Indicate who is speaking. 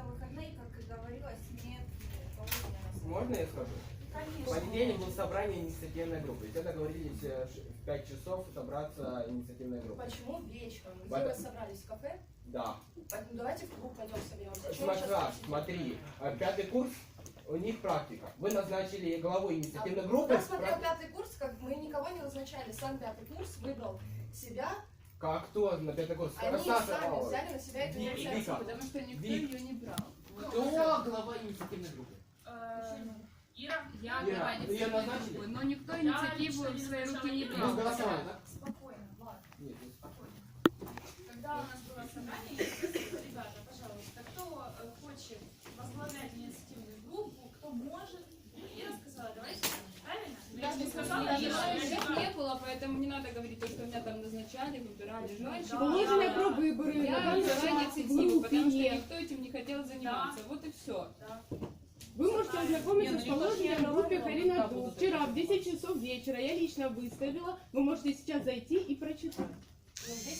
Speaker 1: за выходные, как и говорилось, нет положения на совет.
Speaker 2: Можно я скажу? В
Speaker 1: Конечно.
Speaker 2: понедельник было собрание инициативной группы. Ведь это договорились в 5 часов собраться инициативной группой.
Speaker 3: Почему вечером? Где
Speaker 2: Потом-
Speaker 3: вы собрались? В кафе?
Speaker 2: Да.
Speaker 3: Поэтому давайте в клуб пойдем соберемся. Чего вы сейчас
Speaker 2: Смотри, 5-й курс, у них практика. Вы назначили главу инициативной
Speaker 3: У
Speaker 2: группы.
Speaker 3: нас смотрел 5-й курс, как мы никого не назначали. Сам 5-й курс выбрал себя.
Speaker 2: Как кто на 5-й курс?
Speaker 3: Они
Speaker 2: Саша,
Speaker 3: сами взяли на себя эту
Speaker 2: Вика.
Speaker 3: инициативу.
Speaker 4: Потому что никто
Speaker 2: Вик.
Speaker 4: ее не брал.
Speaker 2: Кто глава инициативной группы?
Speaker 5: Ира,
Speaker 4: Я
Speaker 2: Ира,
Speaker 4: глава
Speaker 2: ее
Speaker 4: инициативной
Speaker 2: назначили?
Speaker 4: группы, но никто
Speaker 5: Я
Speaker 4: инициативу
Speaker 5: лично
Speaker 4: в
Speaker 5: не
Speaker 4: свои руки
Speaker 5: назначала
Speaker 4: не
Speaker 5: никого.
Speaker 4: брал.
Speaker 2: Ну, голосовали, да?
Speaker 5: спокойно, Влад.
Speaker 2: Нет, не спокойно.
Speaker 5: Когда у нас было собрание, я спросила, ребята, пожалуйста, кто хочет возглавлять инициативную группу, кто может? Ира сказала, давайте так, правильно? Но я не сказала,
Speaker 4: Я
Speaker 5: Ира, я
Speaker 4: их
Speaker 5: не
Speaker 4: не было, поэтому не надо говорить то, что меня там назначали, выбирали желающих.
Speaker 6: Положено про выборы.
Speaker 4: Я
Speaker 6: надо
Speaker 4: взяла
Speaker 6: назначать
Speaker 4: инициативу,
Speaker 6: в
Speaker 4: потому что
Speaker 6: группе.
Speaker 4: никто этим не хотел заниматься. Вот и все.
Speaker 6: Вы можете ознакомиться с положением в группе Карина Ду. Вчера в 10 часов вечера я лично выставила. Вы можете сейчас зайти и прочитать.
Speaker 3: Ну,